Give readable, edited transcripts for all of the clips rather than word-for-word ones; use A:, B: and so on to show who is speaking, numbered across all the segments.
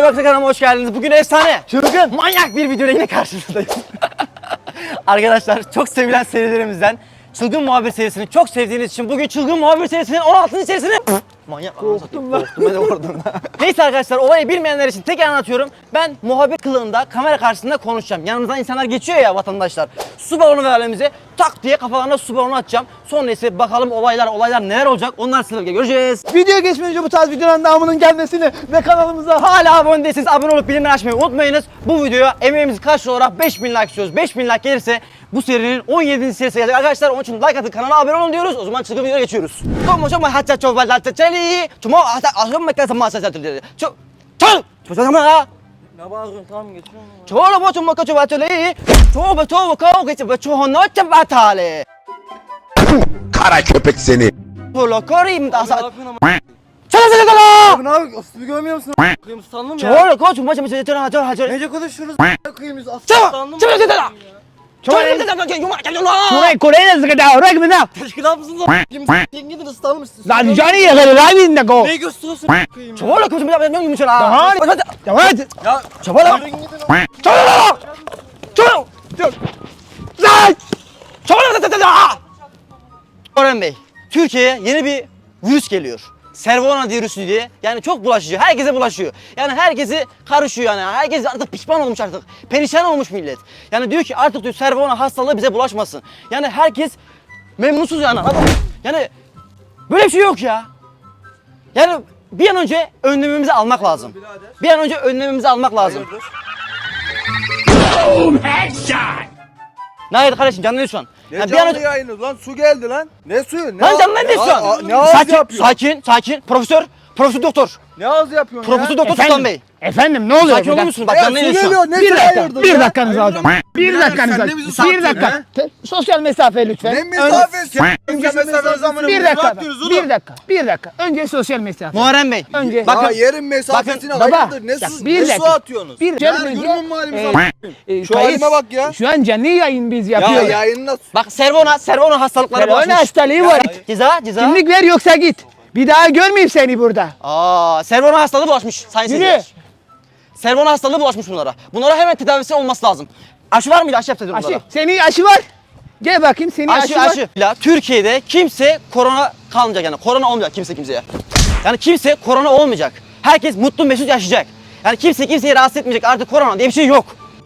A: Arkadaşlar kanalıma hoş geldiniz. Bugün efsane, çılgın, manyak bir videoyla yine karşınızdayım. Arkadaşlar çok sevilen serilerimizden Çılgın Muhabir serisini çok sevdiğiniz için bugün Çılgın Muhabir serisinin 16. serisini manyak korktum ben. Korktum ben de korktum. Neyse arkadaşlar, olayı bilmeyenler için tek anlatıyorum. Ben muhabir kılığında kamera karşısında konuşacağım. Yanımızdan insanlar geçiyor ya, vatandaşlar. Su balonu ver elimize, tak diye kafalarına su balonu atacağım. Sonra ise bakalım olaylar neler olacak, onlar sizlerle göreceğiz.
B: Videoya geçmeden önce bu tarz videoların devamının gelmesini ve kanalımıza
A: Hala abone değilseniz abone olup bildirimleri açmayı unutmayınız. Bu videoya emeğimiz karşılığı olarak 5000 like istiyoruz. 5000 like gelirse bu serinin 17. serisi gelecek arkadaşlar. Onun için like atın, kanala abone olun diyoruz. O zaman çılgın videoya geçiyoruz. Ne bağırıyorsun? Tamam geçiyorum.
C: Kara köpek seni.
B: Abi abi aslı görmüyor musun?
A: Kıyım sandım ya.
B: Nece konuşuyoruz? Kıyımız aslı.
A: Teşkilat mısınız lan?
B: Sen gidin ıslanmışsın.
A: Ne gösteriyorsun? Kıyım ya. Çabala koçum ya, ben yumuşak ha. Ya çabala.
B: Yürüyün gidin.
A: Çabala. Çabala. Çabala. Orhan Bey, Türkiye'ye yeni bir virüs geliyor. Cervona virüsü diye. Yani çok bulaşıcı. Herkese bulaşıyor. Yani herkesi karışıyor yani. Herkes artık pişman olmuş artık. Perişan olmuş millet. Yani diyor ki artık diyor Cervona hastalığı bize bulaşmasın. Yani herkes memnunsuz yani. Yani böyle bir şey yok ya. Yani bir an önce önlemimizi almak lazım. Bir an önce önlemimizi almak lazım. Ne hayır kardeşim, canlı şu an.
B: Ne
A: Yani
B: canlı yayını lan, su geldi lan. Ne suyu? Ne
A: Lan
B: ağız-
A: canlı ne diyorsun?
B: Ne ağız
A: Sakin,
B: yapıyor?
A: sakin. Profesör doktor.
B: Ne ağız yapıyorsun
A: Profesör
B: ya?
A: doktor Sultan Bey.
D: Efendim ne oluyor
A: Sakin olur
D: burada?
A: musunuz? Bak
B: Ya
A: canlı
B: su
A: yayın şu
B: geliyor,
A: an.
B: ne
D: Bir
B: sen
D: dakika,
B: ayırdın
D: bir
B: ya?
D: dakikanızı alacağım. Bir dakikanızı
B: sen de
D: alacağım.
B: bizi
D: Bir
B: satıyorsun,
D: dakika. Sosyal mesafe lütfen.
B: Ne mesafesi?
D: Bir dakika. Bir dakika. Önce sosyal mesafe.
A: Muharrem Bey.
D: Önce.
B: Ya
A: Bakın.
B: yerin mesafesine
D: Baba,
B: hayırdır? Ne
D: ya
B: su,
D: bir
B: ne su
D: dakika.
B: atıyorsunuz?
D: Bir
B: Ya
D: dakika.
B: görmüyor musun halimizi? Şu
D: Kayıt.
B: halime bak ya.
D: Şu an canlı yayın biz
B: Ya
D: yapıyoruz.
B: yayını nasıl?
A: Bak Cervona hastalıkları
D: Cervona
A: bulaşmış.
D: hastalığı var.
A: Ceza.
D: Kimlik ver yoksa git. Bir daha görmeyeyim seni burada.
A: Cervona hastalığı bulaşmış sayın
D: Yürü.
A: seyirciler. Cervona hastalığı bulaşmış bunlara. Bunlara hemen tedavisi olması lazım. Aşı var mıydı? Aşı yaptırdı bunlara.
D: Aşı. Senin aşı var. Gel bakayım senin aşı var.
A: Aşı. Ya, Türkiye'de kimse korona kalmayacak yani. Korona olmayacak kimseye. Yani kimse korona olmayacak. Herkes mutlu mesut yaşayacak. Yani kimse kimseyi rahatsız etmeyecek. Artık korona diye bir şey yok.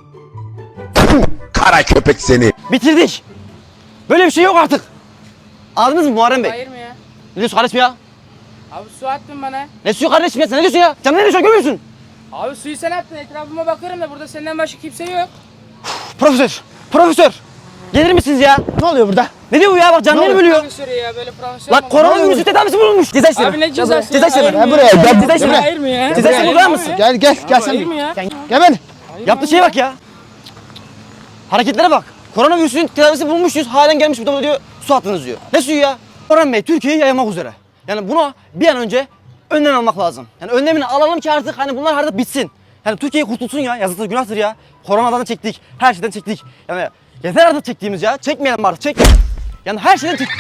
C: Kara köpek seni.
A: Bitirdik. Böyle bir şey yok artık. Anladınız mı Muharrem Bey?
E: Hayır mı ya?
A: Ne diyorsun kardeşim ya?
E: Abi su attın bana.
A: Ne suyu kardeşim ya? Sen ne diyorsun ya? Sen ne diyorsun, görmüyor musun?
E: Abi suyu sen attın. Etrafıma bakıyorum da burada senden başka kimse yok.
A: Profesör. Gelir misiniz ya?
D: Ne oluyor burada?
A: Ne diyor bu ya? Bak canlarını bölüyor.
E: Profesörü ya böyle profesör
A: Lan
E: mı?
A: koronavirüsü tedavisi bulunmuş. Ceza işlemi.
E: Abi ne cezası
A: Ceza
E: ya?
A: işlemi.
E: Hayır
D: Ha,
E: mı
D: buraya
E: ya?
D: gel.
A: Ceza işlemi.
E: Hayır mı ya?
A: Ceza işlemi uygular mısın?
D: Gel sen
E: Hayır
D: bir.
E: mı ya?
D: Gel ben.
A: Yaptığı şeye bak ya. Hareketlere bak. Koronavirüsün tedavisi bulmuşuz. Halen gelmiş bu da diyor su attınız diyor. Ne suyu ya? Orhan Bey Türkiye'yi yaymak üzere. Yani buna bir an önce önlem almak lazım. Yani önlemini alalım ki artık hani bunlar artık bitsin. Yani Türkiye kurtulsun ya. Yazıktır, günahtır ya. Koronadan da çektik. Her şeyden çektik. Yani yeter artık çektiğimiz ya. Çekmeyelim artık. Çekmeyelim. Yani her şeyden çektik.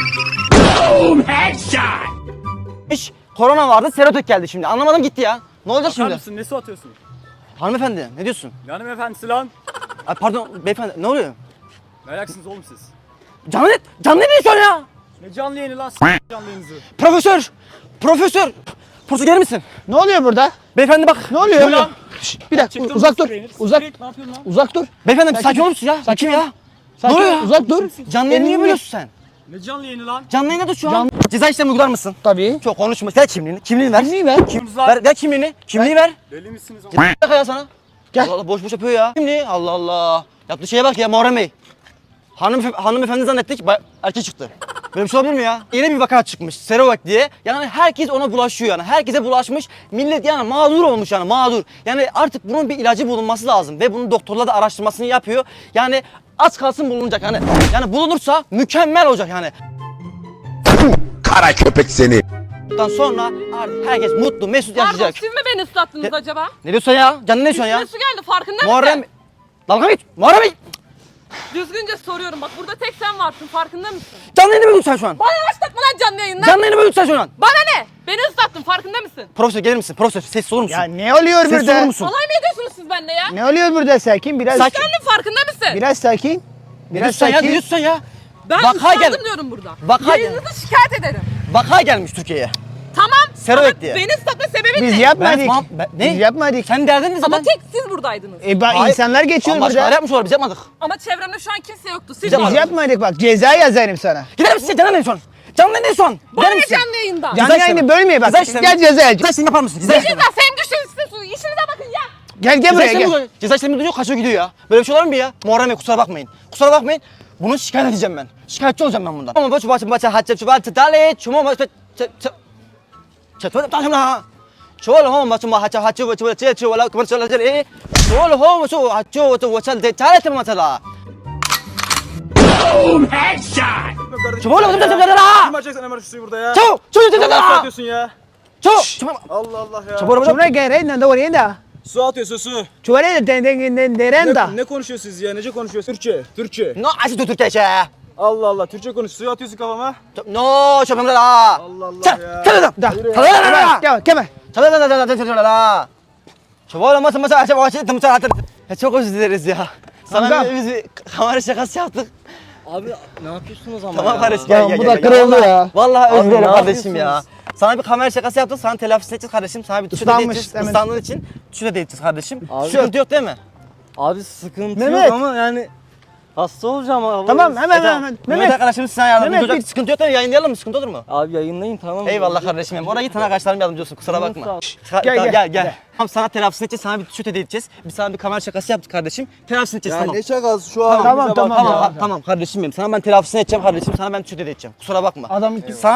A: İş korona vardı. Serotek geldi şimdi. Anlamadım gitti ya. Ne olacak şimdi?
F: Mısın? Ne su atıyorsun?
A: Hanımefendi ne diyorsun?
F: Yanım efendisi lan.
A: Ay, pardon beyefendi ne oluyor?
F: Meraksınız oğlum siz.
A: Canlı ne diyorsun ya?
F: Ne canlı yayını lan canlı yayınızı.
A: Profesör gelir misin?
D: Ne oluyor burada?
A: Beyefendi bak.
D: Ne oluyor?
F: lan?
D: Bir dakika
F: Çıktın
D: uzak dur.
F: mı?
D: Uzak.
F: Ne yapıyorsun lan?
D: Uzak dur.
A: Beyefendi
D: Sakin.
A: sakin olur musun ya?
D: Sakin
A: Kim
D: ol.
A: ya?
D: Sakin
A: oluyor
D: ol,
A: ya?
D: uzak dur.
A: Canlı yayını niye
D: Elini-
A: bölüyorsun sen?
F: Ne canlı yayını lan?
A: Canlı yayında dur şu an. Ceza işlemi uygular mısın?
D: Tabii.
A: Çok konuşma. Ver kimliğini. Kimliğini ver.
D: Kimliği ver.
A: Ver kimliğini. Kimliği ver.
F: Deli misiniz oğlum?
A: Bir dakika ya sana.
D: Gel.
A: Allah Allah boş boş yapıyor ya. Kimliği. Allah Allah. Yaptığı şeye bak ya Muharrem Bey. Hanımefendi zannettik. Erkek çıktı. Böyle bir şey olabilir mi ya? Yeni bir vaka çıkmış. Serovak diye. Yani herkes ona bulaşıyor yani. Herkese bulaşmış. Millet yani mağdur olmuş yani mağdur. Yani artık bunun bir ilacı bulunması lazım. Ve bunun doktorlar da araştırmasını yapıyor. Yani az kalsın bulunacak yani. Yani bulunursa mükemmel olacak yani.
C: Kara köpek seni.
A: Bundan sonra artık herkes mutlu, mesut
G: Pardon
A: yaşayacak.
G: siz mi beni ıslattınız
A: Ya-
G: acaba?
A: Ne diyorsun ya? Canın ne diyorsun ya?
G: Üstüme su geldi farkında
A: Muharrem...
G: mısın?
A: Dalga mı geç? Muharrem Bey!
G: Düzgünce soruyorum. Bak burada tek sen varsın. Farkında mısın?
A: Canlı yayını bölüyorsun sen şu an.
G: Bana başlatma lan canlı yayından.
A: Canlı yayını bölüyorsun sen şu an.
G: Bana ne? Beni ıslattın. Farkında mısın?
A: Profesör gelir misin? Profesör sessiz olur musun?
D: Ya ne oluyor
A: Sessiz olur
D: burada?
A: musun?
G: Alay mı ediyorsunuz siz benimle ya?
D: Ne oluyor burada sakin? Biraz
A: Sakin.
G: Kendin farkında mısın?
D: Biraz sakin.
A: Ne
D: Biraz
A: diyorsun sen ya? Ne
D: sakin.
A: diyorsun sen ya?
G: Ben
A: Vaka
G: ıslandım
A: gel.
G: diyorum burada.
A: Vaka gel.
G: Yayınınızı şikayet ederim.
A: Vaka gelmiş Türkiye'ye.
G: Tamam.
A: Servet
G: ama
A: diye.
G: beni ıslatma sebebin
D: Biz
G: ne?
D: yapmadık.
A: Ne?
D: Biz yapmadık.
A: Senin derdin ne zaten?
G: Ama tek siz buradaydınız.
A: Hayır.
D: İnsanlar geçiyor
A: Ama başkaları
D: burada.
A: yapmış olabilir biz yapmadık.
G: Ama çevremde şu an kimse yoktu. Siz
A: Biz
D: Biz yapmadık bak ceza yazarım sana.
A: Gider misin canlı yayını şu an? Canlı yayını şu an.
G: Bana
A: Gider
G: ne
A: misin?
G: canlı yayında?
D: Canlı yayını bölmeye bak.
A: Ceza işlemi.
D: Gel ceza
A: Ceza
D: yazarım.
A: işlemi yapar mısın? Ceza
G: Siz
A: işlemi.
G: de sen güçlüsünüz. İşinize bakın ya.
D: Gel buraya
A: Ceza
D: gel.
A: işlemi, ceza işlemi duyuyor, kaçıyor gidiyor ya. Böyle bir şey olur mu bir ya? Muharrem Bey kusura bakmayın. Kusura bakmayın. Bunu şikayet edeceğim ben. Şikayetçi olacağım ben bundan. Ama başı haccep çuval dale çumo başı çuval tamam. Çuval ho başı haccep çuval çuval kumar çuval çuval çuval ho başı haccep çuval de çare tem mesela. Çuval ho çuval la.
F: Kim açacak sen hemen şu suyu burada ya?
A: Çuval çuval
F: Ne
A: çuval.
F: atıyorsun ya?
A: Çuval.
F: Allah Allah ya.
A: Çuval
D: Şuna gel reyna da oraya da.
F: Su atıyorsun su.
D: Çuvara derenda.
F: Ne konuşuyorsunuz siz ya? Nece konuşuyorsunuz? Türkçe. Türkçe.
A: No açı Türkiye şey.
F: Allah Allah. Türkçe konuş. Suyu atıyorsun kafama.
A: No çuval la.
F: Allah Allah ya.
A: Çuval.
D: Da.
A: Çuval.
D: Gel gel.
A: Çok özür dileriz ya. Sana
D: Kanka.
A: biz bir kamera şakası yaptık.
F: Abi ne yapıyorsunuz ama
A: Tamam
F: ya?
A: kardeşim gel gel
D: bu
A: gel.
D: da kırıldı
A: Vallahi-
D: ya.
A: Vallahi özür
F: Abi,
A: dilerim
F: ne
A: kardeşim ya.
F: yapıyorsunuz?
A: Sana bir kamera şakası yaptık. Sana telafisi edeceğiz kardeşim. Sana bir tuşu da
D: Islanmış,
A: edeceğiz.
D: hemen.
A: Islandığın için tuşu da edeceğiz kardeşim.
F: Abi-
A: Sıkıntı yok değil mi?
F: Abi sıkıntı
D: Mehmet.
F: yok ama yani hasta olacağım abi.
D: Tamam hemen
A: Tamam.
D: hemen.
A: Mehmet
D: Mehmet.
A: arkadaşım sana yardımcı
D: Mehmet,
A: olacak.
D: bir-
A: Sıkıntı yok değil mi? Yayınlayalım mı? Sıkıntı olur mu?
F: Abi yayınlayın tamam mı?
A: Eyvallah kardeşim benim. Oraya git sana arkadaşlarım yardımcı olsun. Kusura bakma.
F: Sağ ol.
A: Gel
D: Gel,
A: gel. Tamam sana telafisini edeceğiz. Sana bir tuşu da edeceğiz. Biz sana bir kamera şakası yaptık kardeşim. Telafisini edeceğiz tamam.
F: ne şakası şu an?
D: Tamam, tamam.
A: Tamam kardeşim benim. Sana ben telafisini edeceğim kardeşim. Sana ben tüşü de edeceğim. Kusura bakma.
D: Adam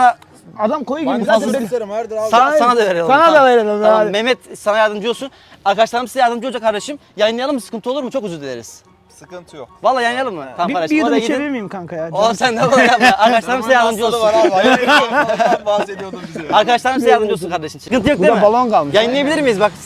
A: Sana
D: koyu gibi.
A: fazla
D: Zaten böyle-
F: isterim vardır abi.
A: sana da verelim.
D: Sana da verelim,
A: Tamam,
D: hadi.
A: Mehmet sana yardımcı olsun. Arkadaşlarım size yardımcı olacak kardeşim. Yayınlayalım mı? Sıkıntı olur mu? Çok özür dileriz.
F: Sıkıntı yok.
A: Vallahi yayınlayalım mı? Tamam
D: Bir
A: kardeşim.
D: yudum
A: Oraya
D: içebilir
A: gidin.
D: miyim kanka ya?
A: Oğlum sen ne böyle yapma. Arkadaşlarım size yardımcı olsun.
F: bahsediyordum bize.
A: Arkadaşlarım size yardımcı olsun kardeşim. Sıkıntı yok değil mi?
D: Burada balon kalmış.
A: Yayınlayabilir miyiz bak?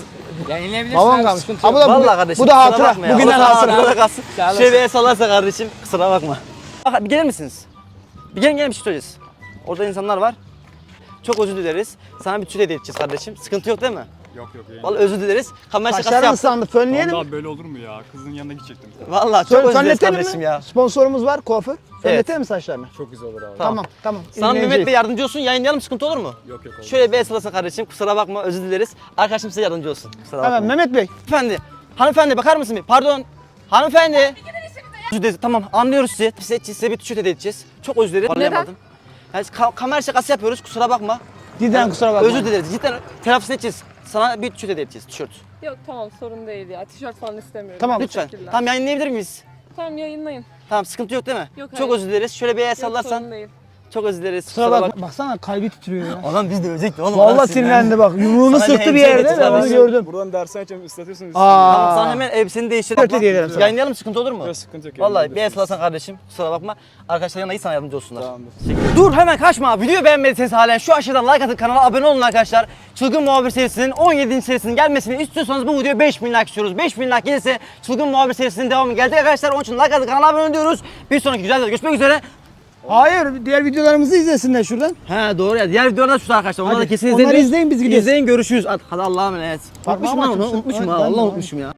D: Balon kalmış. Ha, bu da
A: Vallahi kardeşim.
D: bu da
A: kusura
D: hatıra.
A: bakma ya.
D: Bugünden
A: O zaman
D: hatıra.
A: Burada kalsın. Şöyle bir el sallarsa kardeşim. Kusura bakma. Bak, bir gelir misiniz? Bir gelin bir şey söyleyeceğiz. Orada insanlar var. Çok özür dileriz. Sana bir tüy hediye edeceğiz kardeşim. Sıkıntı yok değil mi?
F: Yok yok.
A: Vallahi özür dileriz. Kamera şakası
D: Saçlarım
A: yaptık.
D: ıslandı. Fönleyelim.
F: Abi böyle olur mu ya? Kızın yanına gidecektim.
A: Vallahi çok özür dileriz
D: Fönletelim
A: kardeşim
D: mi?
A: ya.
D: Sponsorumuz var kuaför. Fönletelim mi saçlarını?
F: Çok güzel olur abi.
D: Tamam.
A: Sana
D: İlgileneceğiz.
A: Mehmet Bey yardımcı olsun. Yayınlayalım sıkıntı olur mu?
F: Yok yok.
A: Şöyle bir el sallasın kardeşim. Kusura bakma özür dileriz. Arkadaşım size yardımcı olsun. Kusura bakma.
D: Hemen Mehmet Bey.
A: Hanımefendi. Hanımefendi bakar mısın bir? Pardon. Hanımefendi. Özür dileriz. Tamam anlıyoruz sizi. Size bir tişört hediye edeceğiz. Çok özür dileriz. Anlayamadım. Yani kamera şakası yapıyoruz. Kusura bakma.
D: Cidden kusura bakma.
A: Özür dileriz. Cidden telafisini edeceğiz. Sana bir tişört hediye edeceğiz. Tişört.
G: Yok tamam sorun değil ya. Tişört falan istemiyorum.
D: Tamam.
A: Lütfen.
G: Teşekkürler.
A: Tamam yayınlayabilir miyiz?
G: Tamam yayınlayın.
A: Tamam sıkıntı yok değil mi?
G: Yok,
A: Çok
G: hayır.
A: özür dileriz. Şöyle bir el
G: Yok
A: sallarsan.
G: sorun değil.
A: Çok özür dileriz.
D: Kusura bakma. Baksana kalbi titriyor ya.
A: Adam biz de ölecekti oğlum.
D: Vallahi sinirlendi bak. Yumruğunu
A: Sana
D: sıktı
A: bir
D: bir
A: hemşire
D: yerde
A: getir
D: ben onu
A: kardeşim.
D: gördüm.
F: Buradan dersen açalım ıslatıyorsunuz.
A: Tamam sana
D: Aa.
A: hemen elbiseni değiştir.
D: Tişört hediye ederim sana.
A: Yayınlayalım sıkıntı olur mu?
F: Yok sıkıntı yok.
A: Vallahi bir el sallarsan kardeşim. Kusura bakma. Arkadaşlar yanına iyi sana yardımcı olsunlar.
F: Tamamdır.
A: Dur hemen kaçma. Videoyu beğenmediyseniz halen şu aşağıdan like atın, kanala abone olun arkadaşlar. Çılgın Muhabir serisinin 17. serisinin gelmesini istiyorsanız bu videoya 5000 like istiyoruz. 5000 like gelirse Çılgın Muhabir serisinin devamı gelecek arkadaşlar. Onun için like atın, kanala abone olun diyoruz. Bir sonraki güzel videoda görüşmek üzere.
D: Hayır, diğer videolarımızı izlesinler şuradan.
A: He doğru ya. Diğer videolar da şurada arkadaşlar. Onları da
D: Hadi,
A: kesin
D: onları
A: izleyin.
D: izleyin, biz gidiyoruz.
A: İzleyin görüşürüz. Hadi Allah'a emanet.
D: Parmağımı
A: Unutmuşum lan onu.
D: atıyorsun.
A: Unutmuşum
D: Evet,
A: ha.
D: ben de
A: Allah
D: onu.
A: unutmuşum ya.